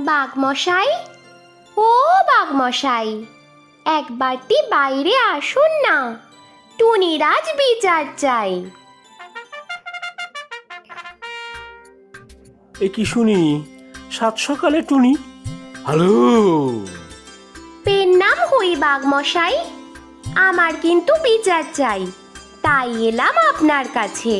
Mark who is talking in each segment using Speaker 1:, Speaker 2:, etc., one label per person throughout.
Speaker 1: বাঘমশাই, ও বাঘমশাই, একবারটি বাইরে আসুন না, টুনির আজ বিচার চাই।
Speaker 2: এ কি শুনি, সাত সকালে টুনি? হ্যালো।
Speaker 1: পেন নাম হই বাঘমশাই, আমার কিন্তু বিচার চাই, তাই এলাম আপনার কাছে।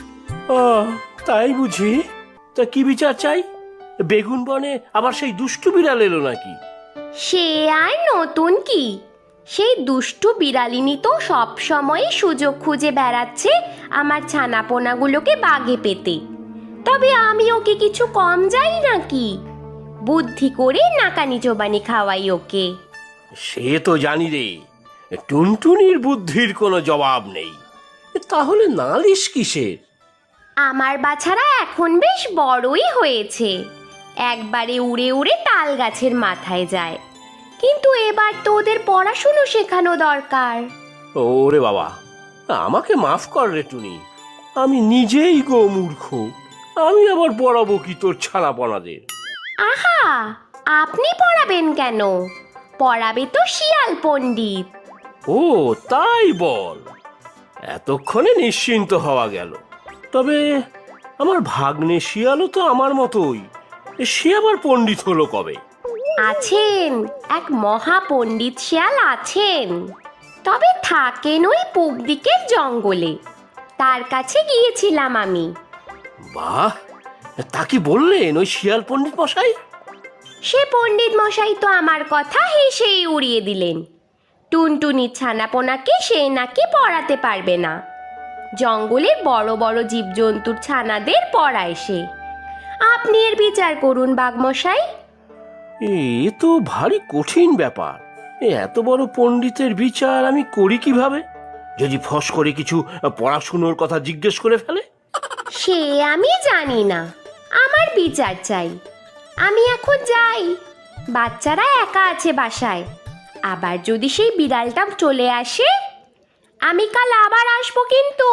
Speaker 2: তাই বুঝি? তা কি বিচার চাই? বেগুন বনে আবার সেই দুষ্টু বিড়াল এলো নাকি?
Speaker 1: সে আর নতুন কি, সেই দুষ্টু বিড়ালিনী তো সব সময় সুযোগ খুঁজে বেড়াচ্ছে আমার ছানাপোনাগুলোকে বাগে পেতে। তবে আমি ওকে কিছু কম যাই নাকি? বুদ্ধি করে নাকানি চোবানি খাওয়াই ওকে।
Speaker 2: সে তো জানি রে, টুনটুনির বুদ্ধির কোনো জবাব নেই। তাহলে নালিশ কিসের?
Speaker 1: আমার বাছারা এখন বেশ বড়ই হয়েছে, একবারে উড়ে উড়ে তাল গাছের মাথায় যায়। কিন্তু এবার তো ওদের পড়াশুনো শেখানো দরকার।
Speaker 2: ওরে বাবা, আমাকে মাফ কর রে টুনি, আমি নিজেই গো মূর্খ। আমি আবার পড়াবো কি তোর ছানাপনাদের?
Speaker 1: আহা, আপনি পড়াবেন কেন? পড়াবে তো শিয়াল পণ্ডিত।
Speaker 2: ও তাই বল, এতক্ষণে নিশ্চিন্ত হওয়া গেল। তবে আমার ভাগ্নে শিয়ালও তো আমার মতোই, সে আবার পণ্ডিত হলো কবে?
Speaker 1: আছেন, এক মহা পণ্ডিত শিয়াল আছেন, তবে থাকেন ওই পূব দিকের জঙ্গলে। তার কাছে গিয়েছিলাম আমি।
Speaker 2: বাহ, তা কি বললেন ওই শিয়াল পণ্ডিত মশাই?
Speaker 1: সে পণ্ডিত মশাই তো আমার কথা হেসেই উড়িয়ে দিলেন। টুনটুনির ছানাপোনাকে সে নাকি পড়াতে পারবে না, জঙ্গলের বড় বড় জীবজন্তুর ছানাদের পড়ায় সে। আপনি এর বিচার করুন বাঘমশাই।
Speaker 2: এ তো ভারী কঠিন ব্যাপার। এত বড় পণ্ডিতের বিচার আমি করি কিভাবে? যদি ফস করে কিছু পড়াশুনোর কথা জিজ্ঞেস করে ফেলে?
Speaker 1: সে আমি জানি না, আমার বিচার চাই। আমি এখন যাই, বাচ্চারা একা আছে বাসায়। আবার যদি সেই বিড়ালটা চলে আসে, আমি কাল আবার আসবো কিন্তু।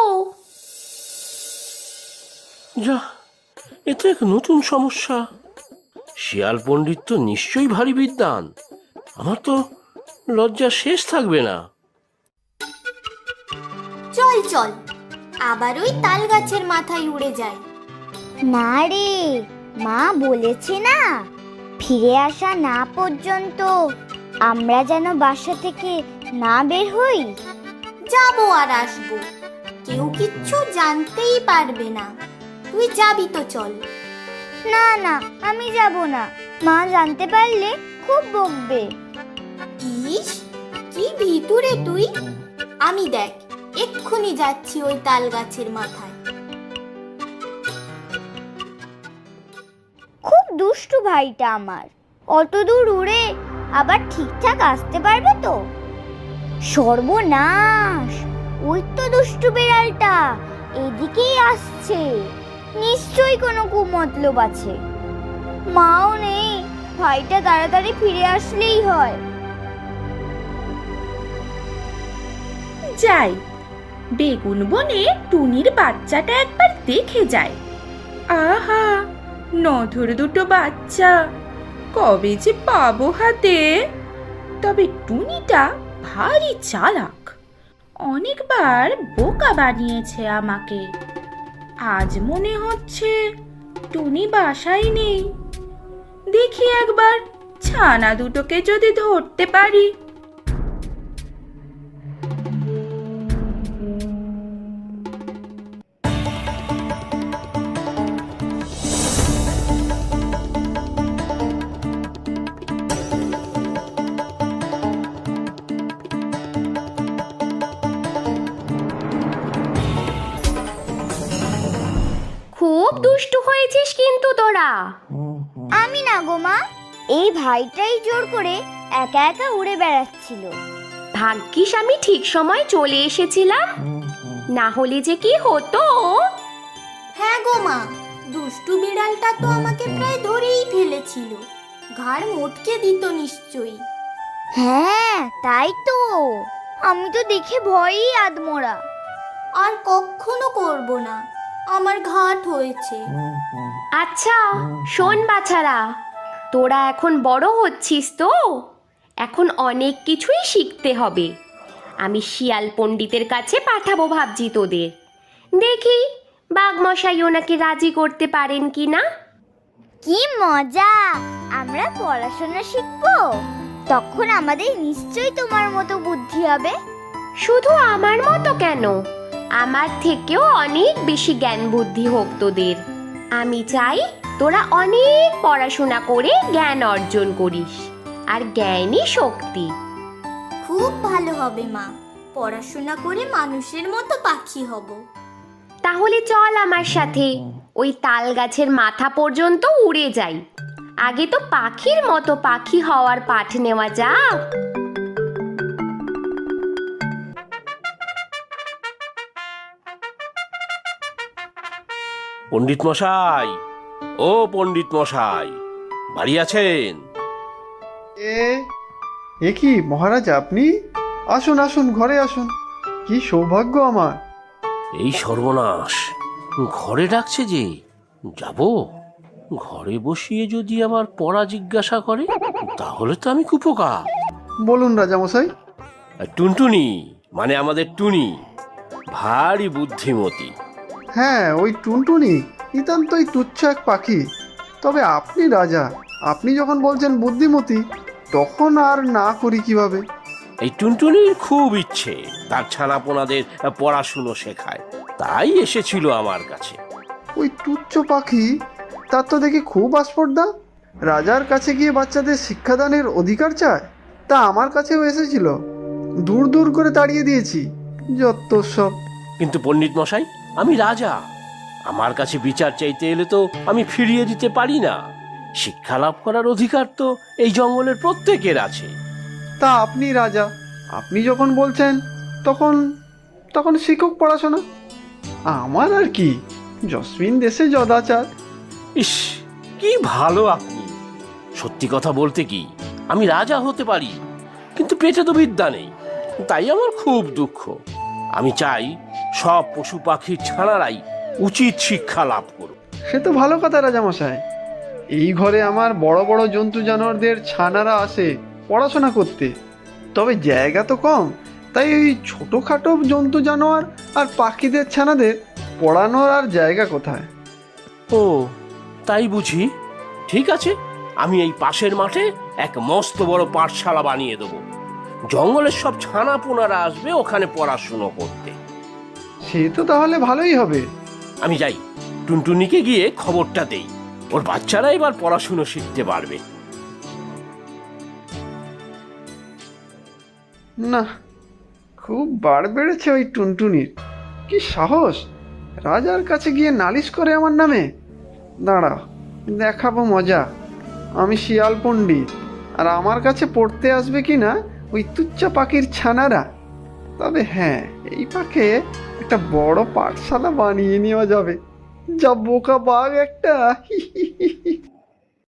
Speaker 2: যা, এ তো এক নতুন সমস্যা। শিয়াল পণ্ডিত তো নিশ্চয়ই ভারী বিদ্বান, আমার তো লজ্জা শেষ থাকবে না।
Speaker 3: চল চল, আবার ওই তাল গাছের মাথায় উড়ে যায়।
Speaker 4: না রে, মা বলেছে না, ফিরে আসা না পর্যন্ত আমরা যেন বাসা থেকে না বের হই।
Speaker 3: যাবো আর আসবো, কেউ কিচ্ছু জানতেই পারবে না। তুই যাবি তো চল।
Speaker 4: না না, আমি যাব না, মা জানতে পারলে খুব বকবে।
Speaker 3: ইস, কি ভিতুরে তুই! আমি দেখ এক্ষুনি যাচ্ছি ওই তাল গাছের মাথায়।
Speaker 4: খুব দুষ্টু ভাইটা আমার, অত দূর উড়ে আবার ঠিকঠাক আসতে পারবে তো? সর্বনাশ, ওই তো দুষ্টু বিড়ালটা এদিকেই আসছে, নিশ্চয়ই কোনো কুমতলব আছে। মাও নেই, ভাইটা তাড়াতাড়ি ফিরে আসলেই হয়।
Speaker 5: যাই, বেগুন বনে টুনির বাচ্চাটা একবার দেখে যায়। আহা, নধর দুটো বাচ্চা, কবে যে পাবো হাতে। তবে টুনিটা ভারী চালাক, অনেকবার বোকা বানিয়েছে আমাকে। আজ মনে হচ্ছে টুনি বাসায় নেই। দেখি একবার ছানা দুটোকে যদি ধরতে পারি।
Speaker 1: খুব দুষ্টু হয়েছিস কিন্তু তোরা।
Speaker 4: আমি না গো মা, এই ভাইটাই জোর করে একা একা উড়ে বেড়াচ্ছিল।
Speaker 1: ভাগ্যিস আমি ঠিক সময় চলে এসেছিলাম, না হলে যে কি হতো।
Speaker 3: হ্যাঁ গো মা, দুষ্টু বিড়ালটা তো আমাকে প্রায় ধরেই ফেলেছিল, ঘাড় মোটকে দিত নিশ্চয়ই।
Speaker 4: হ্যাঁ তাই তো, আমি তো দেখে ভয়েই আধমরা।
Speaker 3: আর কখনো করব না, আমার ঘাট হয়েছে।
Speaker 1: আচ্ছা শোন বাছারা, তোরা এখন বড় হচ্ছিস তো, এখন অনেক কিছুই শিখতে হবে। আমি শিয়াল পণ্ডিতের কাছে পাঠাবো ভাবছি তোদের। দেখি বাঘমশাই ওনাকে রাজি করতে পারেন কি না।
Speaker 4: কি মজা! আমরা পড়াশোনা শিখবো, তখন আমাদের নিশ্চয়ই তোমার মতো বুদ্ধি হবে।
Speaker 1: শুধু আমার মতো কেন, আমার থেকেও অনেক বেশি জ্ঞান বুদ্ধি হোক তোদের। আমি চাই তোরা অনেক পড়াশোনা করে জ্ঞান অর্জন করিস, আর জ্ঞানই শক্তি।
Speaker 3: খুব ভালো হবে মা, পড়াশোনা করে মানুষের মতো পাখি হব।
Speaker 1: তাহলে চল আমার সাথে, ওই তাল গাছের মাথা পর্যন্ত উড়ে যাই। আগে তো পাখির মতো পাখি হওয়ার পাঠ নেওয়া যাক।
Speaker 2: পণ্ডিত মশাই, ও পণ্ডিত মশাই, বাড়ি আছেন?
Speaker 6: এ কি মহারাজ, আপনি আসুন আসুন, ঘরে আসুন। কি সৌভাগ্য আমার।
Speaker 2: এই সর্বনাশ, ঘরে ডাকছে যে, যাব? ঘরে বসিয়ে যদি আবার পড়া জিজ্ঞাসা করে, তাহলে তো আমি কুপোকা।
Speaker 6: বলুন রাজামশাই।
Speaker 2: টুনটুনি, মানে আমাদের টুনি, ভারী বুদ্ধিমতী।
Speaker 6: হ্যাঁ, ওই টুনটুনি নিতান্তই তুচ্ছ এক পাখি। তবে আপনি রাজা, আপনি যখন বলছেন বুদ্ধিমতী, তখন আর না করি কিভাবে?
Speaker 2: এই টুনটুনির খুব ইচ্ছে তার ছানাপোনাদের পড়াশুনো শেখায়, তাই এসেছিল আমার কাছে।
Speaker 6: ওই তুচ্ছ পাখি, তার তো দেখি খুব আস্পর্ধা। রাজার কাছে গিয়ে বাচ্চাদের শিক্ষাদানের অধিকার চায়। তা আমার কাছেও এসেছিল, দূর দূর করে তাড়িয়ে দিয়েছি। যত সব।
Speaker 2: কিন্তু পণ্ডিত মশাই, আমি রাজা, আমার কাছে বিচার চাইতে এলে তো আমি ফিরিয়ে দিতে পারি না। শিক্ষা লাভ করার অধিকার তো এই জঙ্গলের প্রত্যেকের আছে।
Speaker 6: তা আপনি রাজা, আপনি যখন বলছেন, তখন তখন শিক্ষক পড়াশোনা। আমার আর কি, জসমিন দেশে যদাচার।
Speaker 2: ইস, কি ভালো আপনি! সত্যি কথা বলতে কি, আমি রাজা হতে পারি, কিন্তু পেটে তো বিদ্যা নেই, তাই আমার খুব দুঃখ। আমি চাই সব পশু পাখির ছানারাই উচিত শিক্ষা লাভ করুক।
Speaker 6: সে তো ভালো কথা রাজামশাই। এই ঘরে আমার বড় বড় জন্তু জানোয়ারদের ছানারা আসে পড়াশোনা করতে, তবে জায়গা তো কম, তাই ওই ছোটোখাটো জন্তু জানোয়ার আর পাখিদের ছানাদের পড়ানোর আর জায়গা কোথায়?
Speaker 2: ও, তাই বুঝি? ঠিক আছে, আমি এই পাশের মাঠে এক মস্ত বড় পাঠশালা বানিয়ে দেবো। জঙ্গলের সব ছানা পোনারা আসবে ওখানে পড়াশুনো করতে।
Speaker 6: সে তো তাহলে ভালোই হবে।
Speaker 2: আমি যাই, টুনটুনিকে গিয়ে খবরটা দেই, ওর বাচ্চারা এবার পড়াশুনো শিখতে পারবে।
Speaker 6: না, খুব বাড় বেড়েছে ওই টুনটুনির। কি সাহস, রাজার কাছে গিয়ে নালিশ করে আমার নামে। দাঁড়াও, দেখাবো মজা। আমি শিয়াল পণ্ডিত, আর আমার কাছে পড়তে আসবে কি না ওই তুচ্ছা পাখির ছানারা। তবে হ্যাঁ, এই পাখে একটা বড় পাঠশালা বানিয়ে নেওয়া যাবে। যা বোকা বাঘ একটা।